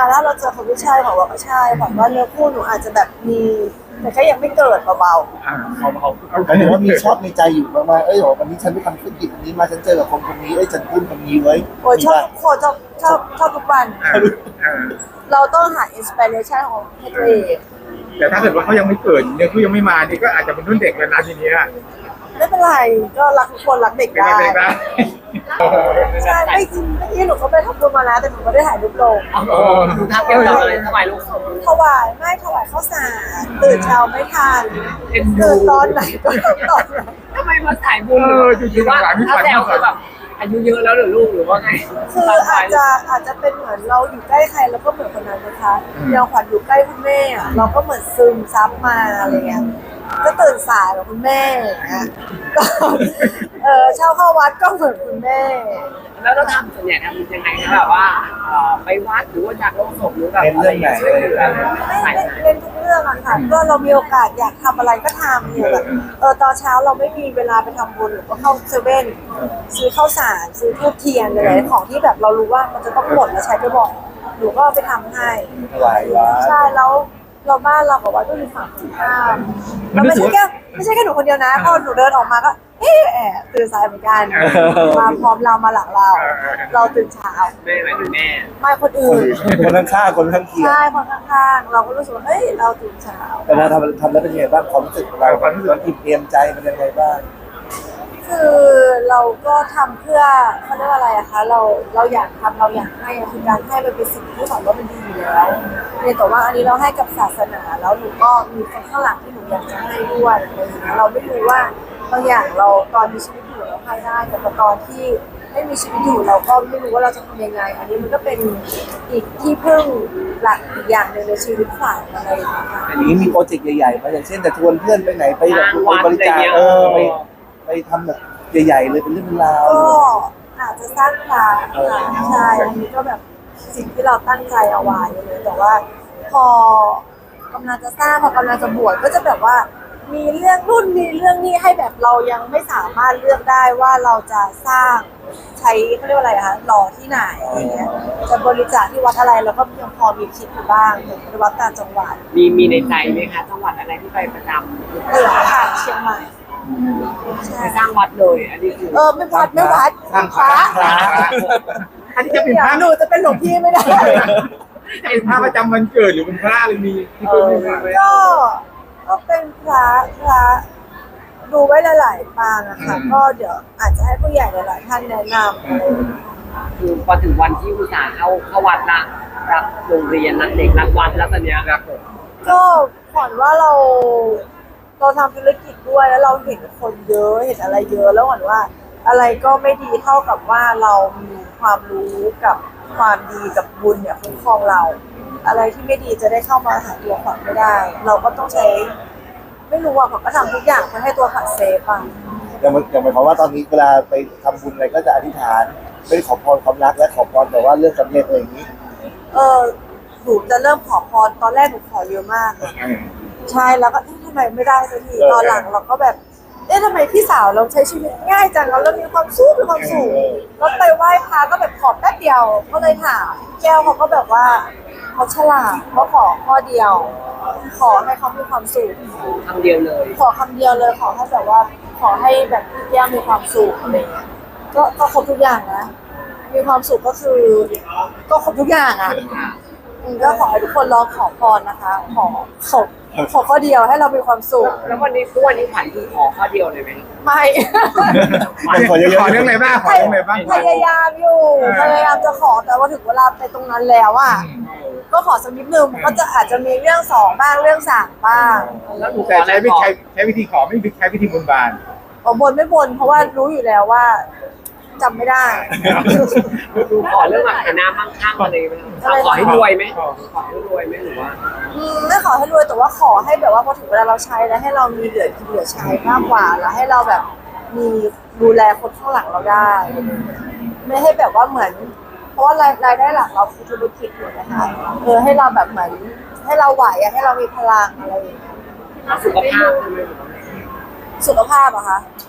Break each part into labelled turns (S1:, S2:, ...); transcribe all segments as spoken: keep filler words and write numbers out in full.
S1: าถ้าเราเจอคนที่ใช่ของเราก็ใช่หวังว่าเนื้อคู่หนูอาจจะแบบมีแต่แค่ยังไม่เกิดเบา
S2: อ่าเขาเขาเขา
S3: หมายถึงว่ามีชอบในใจอยู่มากๆเอ้ยบอกวันนี้ฉันไปทำธุรกิจอันนี้มาฉันเจอกับคนคนนี้เอ้ยฉันพูดคนนี้ไว้
S1: ๆโอ้ยชอบทุกคนชอบชอบชอบทุกวัน
S2: อ่าอ่า
S1: เราต้องหาอินสปิเรชันของให้ตัวเอง
S2: แต่ถ้าเกิดว่าเขายังไม่เกิดเนี่ยเขายังไม่มานี่ก็อาจจะเป็นรุ่นเด็กแล้วนะทีเนี้ย
S1: ไม่เป็นไรก็รักทุกคนรักเด็ก
S2: เป็น
S1: ได้
S2: ไงเป็นไงบ้าง
S1: ใช่ไม่จริงเมื่อกี้หนูก็ไปทำบุญมาแล้วแต่หนูไม่ได้ถ่ายรูปลง
S2: โอ้
S4: ดูทำเกี่ยวกับอะไรถวายลูกสาว
S1: ถวายไม่ถวายข้าวสารตื่นเช้าไม่ทัน
S4: เอ็นดู
S1: ตื่นตอนไหนก็ตอนนั้น
S4: ทำไมมาสายบุญหรือว่าถ้าแซวคือแบบอายุเยอะแล้วหรือลูกหรือว่าไง
S1: คืออาจจะอาจจะเป็นเหมือนเราอยู่ใกล้ใครแล้วก็เหมือนคนนั้นนะคะอย่างขวัญอยู่ใกล้คุณแม่อะเราก็เหมือนซึมซับมาอะไรเงี้ยก็ตื่นสายแบบคุณแม่อย่างเงี้ยก็เออเช่าเข้าวัดก็เหมือนคุณแม่
S4: แล้วเราทำส่วนใหญ่ทำยังไงคะแบบว่าไปวัดหรือว่าจากโรงศพหรือแบบ
S3: เป็น
S4: อะไร
S3: เรื่องไหน
S4: ช่วยเหลือ
S1: ไม่ไม่เล่นทุกเรื่องอะค่ะก็เรามีโอกาสอยากทำอะไรก็ทำเนี่ยแบบเออตอนเช้าเราไม่มีเวลาไปทำบุญหรือก็เข้าเซเว่นซื้อข้าวสารซื้อทูบเทียนอะไรของที่แบบเรารู้ว่ามันจะต้องหมดแล้วใช้ไปบ่อยหนูก็เอาไปทำให้
S3: ถวายวัด
S1: ใช่แล้วเราบ้านเราบอกว่าต้องมีฝั่งตรงข้ามแล้วไม่ใช่แค่ไม่ใช่แค่หนูคนเดียวนะพอหนูเดินออกมาก็เอ๊ะแอบตื่นสายเหมือนกันมาพร้อมเรามาหลังเรา เราตื่นเช้า
S4: แม่ไหมหรือแม่
S1: ไม่คนอื่น
S3: คนข้างๆคนข้างเคียง
S1: ใช่คนข้างๆเราก็รู้สึกว่าเฮ้ยเราตื่นเช้า
S3: แต่พอทำทำแล้วเป็นยังไงบ้างความรู้สึกของเราความรู้สึกมันอิ่มเอมใจมันยังไงบ้าง
S1: คือเราก็ทำเพื่อเขาเรียกว่าอะไรอะคะเราเราอยากทำเราอยากให้อะคือการให้มันเป็นสิ่งที่ฝันว่ามันดีอยู่แล้วเนี่ยแต่ว่าอันนี้เราให้กับศาสนาแล้วหนูก็มีคนข้างหลังที่หนูอยากจะให้ด้วยอะไรอย่างเงี้ยเราไม่รู้ว่าบางอย่างเราตอนมีชีวิตอยู่เราให้ได้แต่พอตอนที่ไม่มีชีวิตอยู่เราก็ไม่รู้ว่าเราจะทำยังไง อันนี้มันก็เป็นอีกที่พึ่งหลักอีกอย่างหนึ่งในชีวิตฝันอะไรอย่างเงี้ยค่ะ
S3: อันนี้มีโปรเจกต์ใหญ่ๆมาอย่างเช่นแต่ชวนเพื่อนไปไหนไปแบบไปบริจาคเออไปไปทำแบบใหญ่ๆเลยเป็นเรื่องเป็นราว
S1: ก็อาจจะสร้างพลาค่ะใช่อันนี้ก็แบบสิ่งที่เราตั้งใจเอาไว้เลยแต่ว่าพอกำลังจะสร้างพอกำลังจะบวชก็จะแบบว่ามีเรื่องรุ่นมีเรื่องนี้ให้แบบเรายังไม่สามารถเลือกได้ว่าเราจะสร้างใช้เขาเรียกว่าอะไรคะหล่อที่ไหนอย่างเงี้ยจะบริจาคที่วัดอะไรเราก็ยังพอมีคิดอยู่บ้างถึงวัดต่างจังหวัด
S4: มีมีในใจไหมคะจังหวัดอะไรที่ไปประจำ
S1: เหนือค่ะเชียงใหม่ใช่
S4: ไปสร้างวัดเลยอันนี้คือ
S1: เออไม่วัดไม่วัด
S3: สร้างพ
S1: พ
S3: ระ
S1: ระ
S3: พระ
S2: อันนี้จะเป็นพระ
S1: หนูจะเป็นหลวงพี่ไม่ได้
S2: ไอ้พระประจำวันเกิดหรือเป็นพระอะไรมีที่เป็นมีไหม
S1: ก็ก็เป็นพระพระดูไว้หลายๆปางอะค่ะก็เดี๋ยวอาจจะให้ผู้ใหญ่หลายๆท่านแนะนำอะไรอย่างเงี้ย
S4: คือพอถึงวันที่อุตส่าห์เข้าเข้าวัดละรักโรงเรียนรักเด็กรักวัดแล้วตอนเนี้ย
S2: ครับผม
S1: ก็ขวัญว่าเราเราทำธุรกิจด้วยแล้วเราเห็นคนเยอะเห็นอะไรเยอะแล้วขวัญว่า อะไรก็ไม่ดีเท่ากับว่าเรามีความรู้กับความดีกับบุญเนี่ยคุ้มครองเรา อะไรที่ไม่ดีจะได้เข้ามาหาตัวขวัญไม่ได้ เราก็ต้องใช้ ไม่รู้ว่าขวัญก็ทำทุกอย่างเพื่อให้ตัวขวัญเซฟอะ
S3: อย่างอย่างหมายความว่าตอนนี้เวลาไปทำบุญอะไรก็จะอธิษฐานไม่ได้ขอพรความรักและขอพรแต่ว่าเรื่องสำเร็จอะไรอย่างนี้
S1: เออหนูจะเริ่มขอพรตอนแรกหนูขอเยอะมากอะ ใช่แล้วก็เอ๊ะทำไมไม่ได้สักที
S3: เออ
S1: ตอนหลังเราก็แบบเอ๊ะทำไมพี่สาวเราใช้ชีวิตง่ายจังเราเริ่มมีความสุขมีความสุขแล้วไปไหว้พระก็แบบขอแป๊บเดียวก็เลยถามแก้วเขาก็แบบว่าเขาฉลาดเขาขอข้อเดียว ขอให้เขามีความสุข
S4: คำเดียวเลย
S1: ขอคำเดียวเลยขอให้แบบว่าขอให้แบบพี่แก้วมีความสุขอะไรเงี้ยก็ก็ครบทุกอย่างนะมีความสุขก็คือ ก็ครบทุกอย่างอ่ะอืมก็ขอให้ทุกคนลองขอพรนะคะ ขอขอขอข้อเดียวให้เรามีความสุข
S4: แล้ววันนี้ทุกวันนี้ขวัญคือขอข้อเดียวเลยไหม
S1: ไม่
S3: ขอเยอะๆ
S2: ขอเรื่องอะไรบ้างขอเรื่องอะไรบ้าง
S1: พยายามอยู่พยายามจะขอแต่ว่าถึงเวลาไปตรงนั้นแล้วอ่ะก็ขอสักนิดนึงก็จะอาจจะมีเรื่องสองบ้างเรื่องสามบ้าง
S4: แล้วหนูข
S2: แต่
S4: ออะไร
S2: ใช้วิ
S4: ขอ
S2: ธีใช้วิธีขอไม่ใช้วิธีบนบาน
S1: อ๋อบนไม่บนเพราะว่ารู้อยู่แล้วว่าจำไม่ได้
S4: หนูขอเรื่องแบบฐานะมั่งคั่งอะไรไหมคะขอให้รวยไหมขอให้รวยไหมหรือว่า
S1: อืมไม่ขอให้รวยแต่ว่าขอให้แบบว่าพอถึงเวลาเราใช้แล้วให้เรามีเหลือกินเหลือใช้มากกว่าแล้วให้เราแบบมีดูแลคนข้างหลังเราได้ ไม่ให้แบบว่าเหมือน เพราะว่ารายรายได้หลักเราคือธุรกิจอยู่นะคะเออให้เราแบบเหมือนให้เราไหวอะให้เรามีพลังอะไรอย่างเงี้ย
S4: สุขภาพใช่ไหม
S1: สุขภาพอะคะโอ้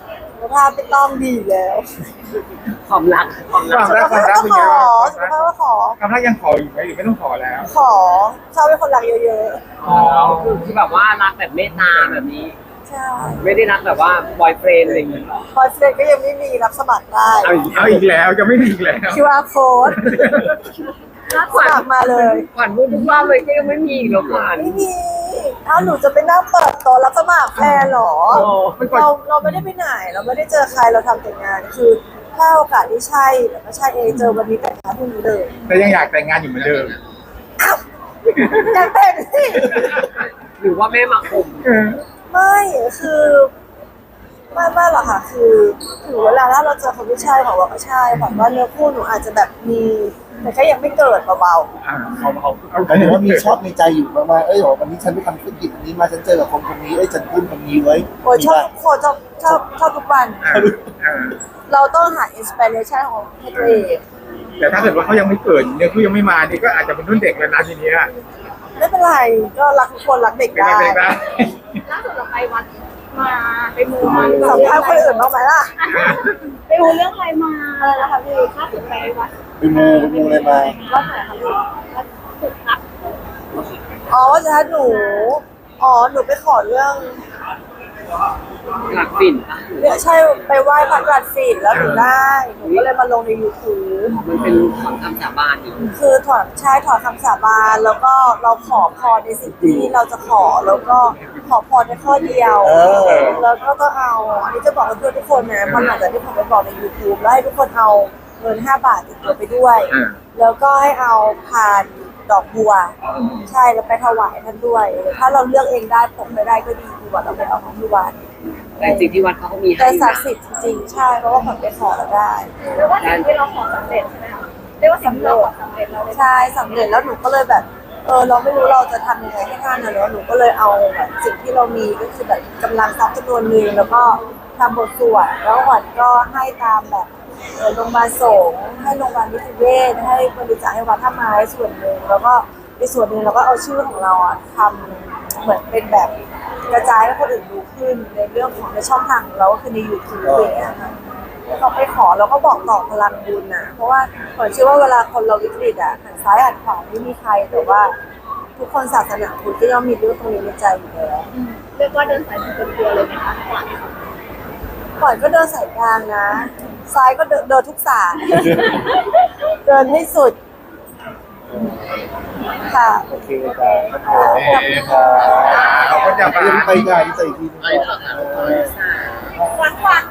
S1: ภาพไม่ต้องดีแล้ว
S4: ความรักความรัก
S2: ความรักความรักเป็น
S1: ข
S2: ไง
S1: อ
S2: บ้าง
S1: สุขภาพก็ขอ
S2: ความรักยังขออยู่ไหมหรือไม่ต้องขอแล้ว
S1: ขอชอบเป็นคนรักเยอะ
S4: อ๋อคือที่แบบว่ารักแบบเมตตาแบบนี้
S1: ๆใช่
S4: ไม่ได้รักแบบว่าบอยเฟรนด์อะไรอย่างเงี้ยหรอ
S1: พอยเฟรนก็ยังไม่มีรับสมัครได้
S4: เอาอีก
S2: เอาอีกแล้วจะไม่มีอีกแล้ว
S1: คิว อาร์ code รับสมัครมาเลย
S4: ขวัญพูดทุกรอบเลยก็ยังไม่มีอีกเหรอขวัญ
S1: ไม่มีเอ้าหนูจะไปนั่งเปิดโต๊ะรับสมัครแฟนเหรอ
S4: โอ้
S2: มันก่อน
S1: เราเราไม่ได้ไปไหน เราไม่ได้เจอใครเราทำแต่งาน คือถ้าโอกาสที่ใช่แต่ไม่ใช่เองเจอวันนี้แต่งงานพรุ่งนี้เลย
S2: แต่ยังอยากแต่งงานอยู่เหมือนเดิม
S1: อยากแต่งสิ
S4: หรือว่าแม่มาข่ม
S2: เออ
S1: ไม่คือไม่ไม่หรอกค่ะ คือถึงเวลาถ้าเราเจอคนที่ใช่ของเราก็ใช่แบบว่าเนื้อคู่หนูอาจจะแบบมีแต่แค่ยังไม่เกิดเบา
S2: อ่า
S3: เขาเขาหมายถึงว่ามีชอบในใจอยู่มากๆเอ้ยบอกวันนี้ฉันไปทำธุรกิจอันนี้มาฉันเจอกับคนคนนี้เอ้ยฉันพึ่งคนนี้ไว้
S1: ๆโอ้ยชอบทุกคนชอบชอบชอบทุกวัน
S2: อ่าอ่า
S1: เราต้องหาอินสปิเรชันของให้ตัวเอง
S2: แต่ถ้าเกิดว่าเขายังไม่เกิดเนี่ยคือยังไม่มานี่ก็อาจจะเป็นรุ่นเด็กแล้วนะทีเนี้ย
S1: ไม่เป็นไรก็รักทุกคนรักเด็ก
S2: เป็น
S1: ได้
S2: ไปได้
S5: ล่าสุดเราไปวัดมาไปมูมา
S1: สัมภาษณ์คนอื่นบ้างไหมล่ะ
S5: ไปมูเรื่องอะไรมา
S1: อะไรนะคะพี่
S5: ล่าสุดไปวัด
S3: ไปมูไปมูอะไรมา
S1: ว่าไหนคะพี่
S5: วัดสุดครับ
S1: อ๋อว่าจะให้หนู อ๋อหนูไปขอเรื่อง
S4: หลักฝิ่นปะ
S1: เนี่ยใช่ไปไหว้พระกรัดสินแล้วหนูได้หนูก็เลยมาลงใน YouTube
S4: มันเป็นของคำสาบานอยู่
S1: คือถอดใช่ถอดคำสาบานแล้วก็เราขอพรในสิ่งที่เราจะขอแล้วก็ขอพรในข้อเดียว
S3: เออ
S1: แล้วก็ต้องเอาอันนี้จะบอกกับเพื่อนทุกคนนะมันหลังจากที่ผมไปบอกใน YouTube แล้วให้ทุกคนเอาเงินห้าบาทติดตัวไปด้วย
S2: อ่า
S1: แล้วก็ให้เอาพานดอกบัว ใช่แล้วไปถวายท่านด้วยถ้าเราเลือกเองได้ผมไม่ได้ก็ดีดีกว่าเราไปเอาของที่วัด
S4: แต่จริงที่วัดเขาก็มีให้
S1: แต่
S4: อยู่
S1: ศัก
S4: นะ
S1: ดิ์สิทธิ์จริงๆใช่เพราะว่าผมไปขอแล้วได้
S5: เรียกว่าสิ่งที่เราขอสำเร็จใช่ไหมคะเรียกว่าสิ่งที่เราขอสำเร็จเราเลย
S1: ใช่สำเร็จแล้วหนูก็เลยแบบเออเราไม่รู้เราจะทำยังไงให้ท่านนะเนอะหนูก็เลยเอาแบบสิ่งที่เรามีก็คือแบบกำลังทรัพย์จำนวนหนึ่งแล้วก็ทำบทสวดแล้ววัดก็ให้ตามแบบเออโรงพยาบาลสงฆ์ให้โรงพยาบาลนิติเวชให้บริจาคให้วัดท่าไม้ส่วนหนึ่งแล้วก็ในส่วนหนึ่งเราก็เอาชื่อของเราอะทำเหมือนเป็นแบบกระจายให้คนอื่นรู้ขึ้นในเรื่องของในช่องทางของเราก็คือในยูทูบอย่างเงี้ยค่ะ เราไปขอเราก็บอกต่อพลังบุญนะเพราะว่าผมเชื่อว่าเวลาคนเราวิกฤตอ่ะหันซ้ายหันขวาไม่มีใครแต่ว่า ทุกคนศาสนาพุทธก็ย่อมมีเรื่องตรงนี้ในใจอยู่แล้ว
S5: เรียกว่าเดินสายมูเต็มตัวเลยไหมคะขวัญ
S1: ก่อนก็เดินสายกลางนะ ซ้ายก็เดินเดินทุกสาย เดินให้สุด ค่ะ
S3: โอเคจ้าขอบคุณค่ะ
S2: เขาก็จะมา
S3: ยังไปงานใส่ทีนึงก่อน
S5: ขวัญขวัญ